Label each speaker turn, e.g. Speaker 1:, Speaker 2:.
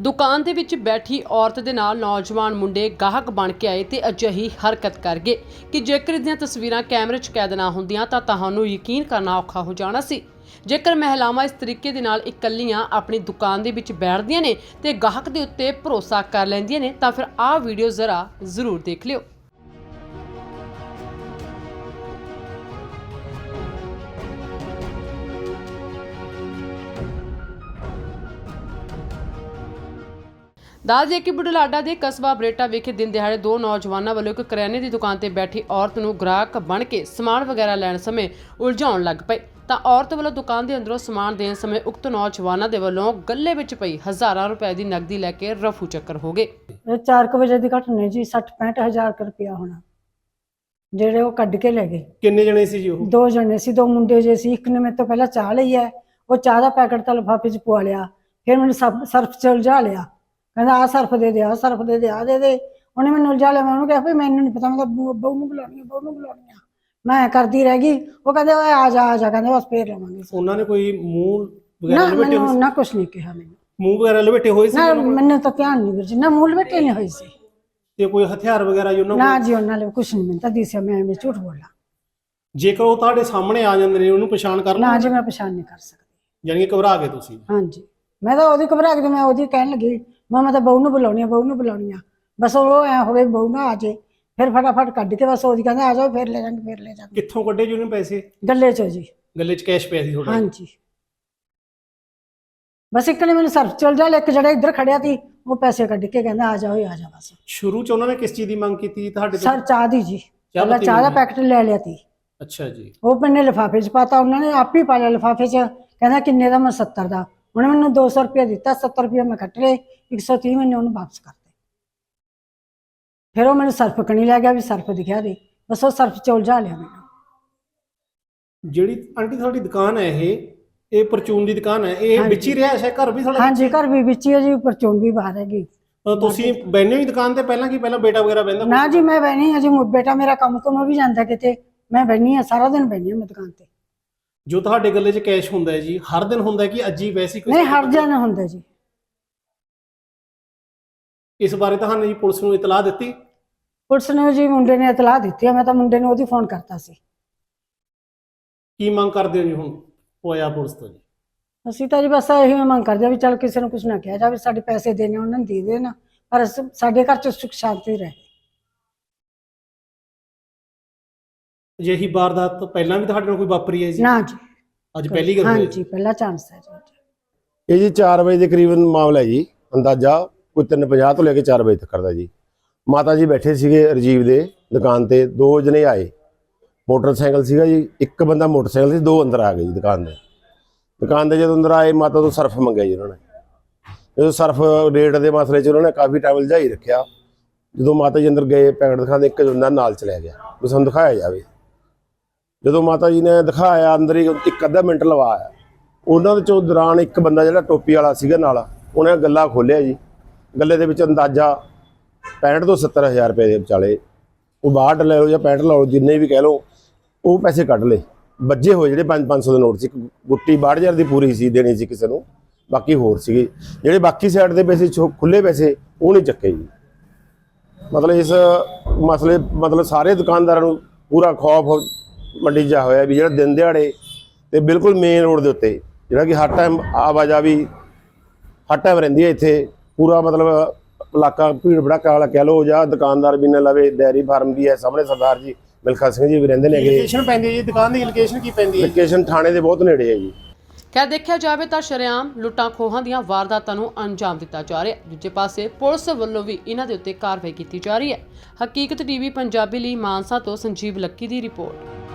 Speaker 1: ਦੁਕਾਨ ਦੇ ਵਿੱਚ ਬੈਠੀ ਔਰਤ ਦੇ ਨਾਲ ਨੌਜਵਾਨ ਮੁੰਡੇ ਗਾਹਕ ਬਣ ਕੇ ਆਏ ਤੇ ਅਜਿਹੀ ਹਰਕਤ ਕਰ ਗਏ ਕਿ ਜੇਕਰ ਇਹਦੀਆਂ ਤਸਵੀਰਾਂ ਕੈਮਰੇ 'ਚ ਕੈਦ ਨਾ ਹੁੰਦੀਆਂ ਤਾਂ ਤੁਹਾਨੂੰ ਯਕੀਨ ਕਰਨਾ ਔਖਾ ਹੋ ਜਾਣਾ ਸੀ। ਜੇਕਰ ਮਹਿਲਾਵਾਂ ਇਸ ਤਰੀਕੇ ਦੇ ਨਾਲ ਇਕੱਲੀਆਂ ਆਪਣੀ ਦੁਕਾਨ ਦੇ ਵਿੱਚ ਬੈਠਦੀਆਂ ਨੇ ਤੇ ਗਾਹਕ ਦੇ ਉੱਤੇ ਭਰੋਸਾ ਕਰ ਲੈਂਦੀਆਂ ਨੇ ਤਾਂ ਫਿਰ ਆਹ ਵੀਡੀਓ ਜ਼ਰੂਰ ਦੇਖ ਲਿਓ। ਦੱਸ ਦਈਏ ਕਿ ਬੁਢਲਾਡਾ ਦੇ ਕਸਬਾ ਬਰੇਟਾ ਵਿਖੇ ਦਿਨ ਦਿਹਾੜੇ ਦੋ ਨੌਜਵਾਨਾਂ ਵੱਲੋਂ ਇੱਕ ਕਰਿਆਨੇ ਦੀ ਦੁਕਾਨ ਤੇ ਬੈਠੀ ਔਰਤ ਨੂੰ ਗ੍ਰਾਹਕ ਬਣ ਕੇ ਸਮਾਨ ਵਗੈਰਾ ਲੈਣ ਸਮੇਂ ਉਲਝਾਉਣ ਲੱਗ ਪਏ ਤਾਂ ਔਰਤ ਵੱਲੋਂ ਦੁਕਾਨ ਦੇ ਅੰਦਰੋਂ ਸਮਾਨ ਦੇਣ ਸਮੇਂ ਉਕਤ ਨੌਜਵਾਨਾਂ ਦੇ ਵੱਲੋਂ ਗੱਲੇ ਵਿੱਚ ਪਈ ਹਜ਼ਾਰਾਂ ਰੁਪਏ ਦੀ ਨਕਦੀ ਲੈ ਕੇ ਰਫੂ ਚੱਕਰ ਹੋ ਗਏ।
Speaker 2: 4 ਵਜੇ ਦੀ ਘਟਨਾ ਜੀ 60-65 ਹਜ਼ਾਰ ਰੁਪਇਆ ਹੋਣਾ ਜਿਹੜੇ ਉਹ ਕੱਢ ਕੇ ਲੈ ਗਏ।
Speaker 3: ਕਿੰਨੇ ਜਣੇ ਸੀ ਜੀ ਉਹ?
Speaker 2: 2 ਜਣੇ ਸੀ, 2 ਮੁੰਡੇ ਜੇ ਸੀ। ਇੱਕ ਨੇ ਮੇਰੇ ਤੋਂ ਪਹਿਲਾਂ ਚਾਹ ਲਈ ਹੈ, ਉਹ ਚਾਹ ਦਾ ਪੈਕਟ ਤਾਂ ਲਿਫਾਫੇ 'ਚ ਪਵਾ ਲਿਆ। ਫਿਰ ਮੈਨੂੰ ਸਰਫ 'ਚ ਉਲਝਾ ਲਿਆ, ਕਹਿੰਦਾ ਆ ਸਰਫ ਦੇ ਦੇ, ਆ ਸਰਫ ਦੇ ਦੇ, ਆ ਦੇ ਦੇ। ਉਹਨੇ ਮੈਨੂੰ ਉਲਝਾ ਲਿਆ। ਮੈਂ ਉਹਨੂੰ ਕਿਹਾ ਵੀ ਮੈਨੂੰ ਨਹੀਂ ਪਤਾ, ਮੈਂ ਤਾਂ ਬਹੂ ਨੂੰ ਬੁਲਾਉਣੀ ਆ। ਮੈਂ ਕਰਦੀ ਰਹਿ ਗਈ। ਉਹ ਕਹਿੰਦੇ ਓਏ ਆ ਜਾ ਕਹਿੰਦੇ ਬਸ ਫੇਰ ਲਵਾਂਗੇ।
Speaker 3: ਉਹਨਾਂ ਨੇ ਕੋਈ ਮੂੰਹ ਵਗੈਰਾ ਲਪੇਟੇ ਹੋਏ ਸੀ?
Speaker 2: ਨਾ ਕੁਛ ਨਹੀਂ ਕਿਹਾ ਮੈਨੂੰ।
Speaker 3: ਮੂੰਹ ਵਗੈਰਾ ਲਪੇਟੇ ਹੋਏ ਸੀ?
Speaker 2: ਨਾ ਮੈਨੂੰ ਤਾਂ ਧਿਆਨ ਨਹੀਂ ਵੀਰ ਜੀ, ਨਾ ਮੂੰਹ ਲਪੇਟੇ ਨਹੀਂ ਹੋਈ ਸੀ।
Speaker 3: ਤੇ ਕੋਈ ਹਥਿਆਰ ਵਗੈਰਾ ਜੀ ਉਹਨਾਂ ਕੋਲ?
Speaker 2: ਨਾ ਜੀ ਉਹਨਾਂ ਨੇ ਕੁਛ ਨਹੀਂ, ਮੈਨੂੰ ਤਾਂ ਦਿਸਿਆ। ਮੈਂ ਝੂਠ ਬੋਲਾਂ?
Speaker 3: ਜੇਕਰ ਉਹ ਤੁਹਾਡੇ ਸਾਹਮਣੇ ਆ ਜਾਂਦੇ ਨੇ ਉਹਨੂੰ ਪਛਾਣ ਕਰ
Speaker 2: ਨਾ ਜੀ ਮੈਂ ਪਛਾਣ ਨਹੀਂ ਕਰ ਸਕਦੀ।
Speaker 3: ਯਾਨੀ ਕਿ ਘਬਰਾ ਗਏ ਤੁਸੀਂ?
Speaker 2: ਹਾਂਜੀ, ਮੈਂ ਤਾਂ ਉਹਦੀ ਘਬਰਾ ਕੇ ਮੈਂ ਉਹਦੀ ਕਹਿਣ ਲੱਗੀ ਮੈਂ ਤਾਂ ਬਹੂ ਨੂੰ ਬੁਲਾਉਣੀ ਆ। ਬਸ ਉਹ ਐ ਹੋਵੇ ਬਹੂ ਨਾ ਆ ਜੇ, ਫਿਰ ਫਟਾਫਟ ਕੱਢ ਕੇ ਬਸ ਉਹਦੀ ਕਹਿੰਦਾ ਆ ਜਾਓ ਫੇਰ ਲੈ ਜਾਾਂਗੇ।
Speaker 3: ਕਿੱਥੋਂ ਕੱਢੇ ਜੀ ਉਹਨੇ ਪੈਸੇ?
Speaker 2: ਗੱਲੇ ਚੋਂ ਜੀ।
Speaker 3: ਗੱਲੇ 'ਚ ਕੈਸ਼ ਪਿਆ ਸੀ ਤੁਹਾਡਾ?
Speaker 2: ਹਾਂਜੀ, ਬਸ ਇੱਕ ਨੇ ਮੈਨੂੰ ਸਰਫ ਚਲ ਜਾ, ਇੱਕ ਜਿਹੜਾ ਇੱਧਰ ਖੜਿਆ ਸੀ ਉਹ ਪੈਸੇ ਕੱਢ ਕੇ ਕਹਿੰਦਾ ਆ ਜਾ ਬਸ।
Speaker 3: ਸ਼ੁਰੂ 'ਚ ਉਹਨਾਂ ਨੇ ਕਿਸ ਚੀਜ਼ ਦੀ ਮੰਗ ਕੀਤੀ ਤੁਹਾਡੇ ਤੋਂ?
Speaker 2: ਸਰ ਚਾਹ ਦੀ ਜੀ। ਪਹਿਲਾਂ ਚਾਹ ਦਾ ਪੈਕਟ ਲੈ ਲਿਆ ਸੀ।
Speaker 3: ਅੱਛਾ ਜੀ।
Speaker 2: ਉਹ ਮੈਨੇ ਲਿਫਾਫੇ 'ਚ ਪਾਤਾ, ਉਹਨਾਂ ਨੇ ਆਪ ਹੀ ਪਾ ਲਿਆ ਲਿਫਾਫੇ 'ਚ। ਕਹਿੰਦਾ ਕਿੰਨੇ ਦਾ? ਮੈਂ 70 ਦਾ। ਉਹਨੇ ਮੈਨੂੰ 200 ਰੁਪਇਆ ਦਿੱਤਾ, 70 ਰੁਪਇਆ ਮੈਂ ਕੱਟ ਲਏ, 130 ਮੈਨੇ ਉਹਨੂੰ ਵਾਪਸ ਕਰਤੇ। ਫਿਰ ਉਹ ਮੈਨੂੰ ਸਰਫ ਕਣੀ ਲੈ ਗਿਆ ਵੀ ਸਰਫ ਦਿਖਿਆ ਦੇ, ਬਸ ਉਹ ਸਰਫ 'ਚ ਉਲਝਾ ਲਿਆ ਮੈਨੂੰ।
Speaker 3: ਜਿਹੜੀ ਆਂਟੀ ਤੁਹਾਡੀ ਦੁਕਾਨ ਹੈ ਇਹ ਪਰਚੂਨ ਦੀ ਦੁਕਾਨ ਹੈ, ਇਹ ਵਿੱਚ ਹੀ ਰਿਹਾ ਹੈ? ਘਰ ਵੀ ਤੁਹਾਡਾ?
Speaker 2: ਹਾਂਜੀ, ਘਰ ਵੀ ਵਿੱਚ ਹੀ ਹੈ ਜੀ, ਪਰਚੂਨ ਵੀ ਬਾਹਰ ਹੈਗੀ।
Speaker 3: ਤੁਸੀਂ ਬੈਠੇ ਹੀ ਦੁਕਾਨ ਤੇ ਪਹਿਲਾਂ ਕੀ ਪਹਿਲਾਂ ਬੇਟਾ ਵਗੈਰਾ ਬਹਿੰਦਾ?
Speaker 2: ਨਾ ਜੀ ਮੈਂ ਬਹਿਣੀ ਹਾਂ ਜੀ, ਬੇਟਾ ਮੇਰਾ ਕੰਮ ਵੀ ਜਾਂਦਾ ਕਿਤੇ, ਮੈਂ ਬਹਿਣੀ ਹਾਂ ਸਾਰਾ ਦਿਨ ਬਹਿਣੀ ਹਾਂ ਮੈਂ ਦੁਕਾਨ ਤੇ।
Speaker 3: ਜੋ ਤੁਹਾਡੇ ਗੱਲੇ 'ਚ ਕੈਸ਼ ਹੁੰਦਾ ਹੈ ਜੀ ਹਰ ਦਿਨ ਹੁੰਦਾ ਕਿ ਅੱਜ ਹੀ ਵੈਸੀ ਕੋਈ?
Speaker 2: ਨਹੀਂ, ਹਰ ਦਿਨ ਹੁੰਦਾ ਜੀ।
Speaker 3: ਇਸ ਬਾਰੇ ਤੁਹਾਨੂੰ ਜੀ ਪੁਲਿਸ ਨੂੰ ਇਤਲਾਹ ਦਿੱਤੀ?
Speaker 2: ਪੁਲਿਸ ਨੇ ਜੀ ਮੁੰਡੇ ਨੇ ਇਤਲਾਹ ਦਿੱਤੀ ਹੈ, ਮੈਂ ਤਾਂ ਮੁੰਡੇ ਨੂੰ ਉਹਦੀ ਫੋਨ ਕਰਤਾ ਸੀ।
Speaker 3: ਕੀ ਮੰਗ ਕਰਦੇ ਹੋ ਜੀ ਹੁਣ ਹੋਇਆ ਪੁਲਿਸ ਤੋਂ ਜੀ?
Speaker 2: ਅਸੀਂ ਤਾਂ ਜੀ ਬਸ ਇਹੀ ਮੰਗ ਕਰਦੇ ਵੀ ਚੱਲ ਕਿਸੇ ਨੂੰ ਕੁਝ ਨਾ ਕਿਹਾ ਜਾਵੇ, ਸਾਡੇ ਪੈਸੇ ਦੇਣੇ ਉਹਨਾਂ ਨੂੰ ਦੇ ਦੇਣ, ਪਰ ਸਾਡੇ ਘਰ 'ਚ ਸੁੱਖ ਸ਼ਾਂਤੀ ਰਹੇ।
Speaker 3: ਅਜਿਹੀ ਵਾਰਦਾਤ ਪਹਿਲਾਂ ਵੀ ਤੁਹਾਡੇ ਨਾਲ ਕੋਈ ਵਾਪਰੀ ਹੈ ਜੀ?
Speaker 2: ਨਾ ਜੀ,
Speaker 3: ਅੱਜ ਪਹਿਲੀ ਗੱਲ ਹੋਈ?
Speaker 2: ਹਾਂਜੀ, ਪਹਿਲਾ ਚਾਂਸ ਹੈ ਜੀ।
Speaker 4: ਇਹ ਜੀ 4 ਵਜੇ ਦੇ ਕਰੀਬਨ ਮਾਮਲਾ ਹੈ ਜੀ, ਅੰਦਾਜ਼ਾ ਕੋਈ 3:50 ਤੋਂ ਲੈ ਕੇ 4 ਵਜੇ ਤੱਕ ਕਰਦਾ ਜੀ। ਮਾਤਾ ਜੀ ਬੈਠੇ ਸੀਗੇ ਰਜੀਵ ਦੇ ਦੁਕਾਨ ਤੇ, 2 ਜਣੇ ਆਏ, ਮੋਟਰਸਾਈਕਲ ਸੀਗਾ ਜੀ, ਇੱਕ ਬੰਦਾ ਮੋਟਰਸਾਈਕਲ ਸੀ, 2 ਅੰਦਰ ਆ ਗਏ ਜੀ ਦੁਕਾਨ ਦੇ। ਜਦੋਂ ਅੰਦਰ ਆਏ ਮਾਤਾ ਤੋਂ ਸਰਫ ਮੰਗਿਆ ਜੀ ਉਹਨਾਂ ਨੇ। ਜਦੋਂ ਸਰਫ ਰੇਟ ਦੇ ਮਸਲੇ 'ਚ ਉਹਨਾਂ ਨੇ ਕਾਫੀ ਟਾਈਮ ਲਜਾਈ ਰੱਖਿਆ। ਜਦੋਂ ਮਾਤਾ ਜੀ ਅੰਦਰ ਗਏ ਪੈਕਟ ਦਿਖਾਉਂਦੇ, ਇੱਕ ਬੰਦਾ ਨਾਲ ਚਲਿਆ ਗਿਆ ਵੀ ਸਾਨੂੰ ਦਿਖਾਇਆ ਜਾਵੇ। ਜਦੋਂ ਮਾਤਾ ਜੀ ਨੇ ਦਿਖਾਇਆ, ਅੰਦਰ ਹੀ 1 ਅੱਧਾ ਮਿੰਟ ਲਵਾਇਆ। ਉਹਨਾਂ ਦੇ ਚੋਂ ਦੌਰਾਨ ਇੱਕ ਬੰਦਾ ਜਿਹੜਾ ਟੋਪੀ ਵਾਲਾ ਸੀਗਾ ਨਾਲ, ਉਹਨੇ ਗੱਲਾ ਖੋਲ੍ਹਿਆ ਜੀ। ਗੱਲੇ ਦੇ ਵਿੱਚ ਅੰਦਾਜ਼ਾ 65 ਤੋਂ 70 ਹਜ਼ਾਰ ਰੁਪਏ ਦੇ ਵਿਚਾਲੇ, ਉਹ 62 ਲੈ ਲਓ ਜਾਂ 65 ਲਾ ਲਓ, ਜਿੰਨੇ ਵੀ ਕਹਿ ਲਓ, ਉਹ ਪੈਸੇ ਕੱਢ ਲਏ। ਵੱਜੇ ਹੋਏ ਜਿਹੜੇ 500 ਦੇ ਨੋਟ ਸੀ, ਗੁੱਟੀ 62 ਹਜ਼ਾਰ ਦੀ ਪੂਰੀ ਸੀ, ਦੇਣੀ ਸੀ ਕਿਸੇ ਨੂੰ, ਬਾਕੀ ਹੋਰ ਸੀਗੇ। ਜਿਹੜੇ ਬਾਕੀ ਸਾਈਡ ਦੇ ਪੈਸੇ ਖੁੱਲੇ ਪੈਸੇ ਉਹ ਨਹੀਂ ਚੱਕੇ ਜੀ। ਮਤਲਬ ਇਸ ਮਸਲੇ ਸਾਰੇ ਦੁਕਾਨਦਾਰਾਂ ਨੂੰ ਪੂਰਾ ਖੌਫ ਮੰਡੀ ਜਾ ਹੋਇਆ ਵੀ ਜਿਹੜਾ ਦਿਨ ਦਿਹਾੜੇ ਤੇ ਬਿਲਕੁਲ ਮੇਨ ਰੋਡ ਦੇ ਉੱਤੇ ਜਿਹੜਾ ਕਿ ਹਰ ਟਾਈਮ ਆਵਾਜਾਈ ਹਰ ਟਾਈਮ ਰਹਿੰਦੀ ਹੈ ਇੱਥੇ, ਪੂਰਾ ਇਲਾਕਾ ਭੀੜ ਭੜਾਕਾ ਵਾਲਾ ਕਹਿ ਲਓ, ਜਾਂ ਦੁਕਾਨਦਾਰ ਵੀ ਨਾ ਲਵੇ, ਡੈਰੀ ਫਾਰਮ ਵੀ ਹੈ ਸਾਹਮਣੇ, ਸਰਦਾਰ ਜੀ ਮਿਲਖਾ ਸਿੰਘ ਜੀ ਵੀ ਰਹਿੰਦੇ ਨੇ।
Speaker 3: ਲੋਕੇਸ਼ਨ ਪੈਂਦੀ ਹੈ ਜੀ ਦੁਕਾਨ ਦੀ? ਲੋਕੇਸ਼ਨ ਕੀ ਪੈਂਦੀ ਹੈ?
Speaker 4: ਲੋਕੇਸ਼ਨ ਥਾਣੇ ਦੇ ਬਹੁਤ ਨੇੜੇ ਹੈ ਜੀ।
Speaker 1: ਖੈਰ ਦੇਖਿਆ ਜਾਵੇ ਤਾਂ ਸ਼ਰੇਆਮ ਲੁੱਟਾਂ ਖੋਹਾਂ ਦੀਆਂ ਵਾਰਦਾਤਾਂ ਨੂੰ ਅੰਜਾਮ ਦਿੱਤਾ ਜਾ ਰਿਹਾ। ਦੂਜੇ ਪਾਸੇ ਪੁਲਿਸ ਵੱਲੋਂ ਵੀ ਇਹਨਾਂ ਦੇ ਉੱਤੇ ਕਾਰਵਾਈ ਕੀਤੀ ਜਾ ਰਹੀ ਹੈ। ਹਕੀਕਤ ਟੀਵੀ ਪੰਜਾਬੀ ਲਈ ਮਾਨਸਾ ਤੋਂ ਸੰਜੀਵ ਲੱਕੀ ਦੀ ਰਿਪੋਰਟ।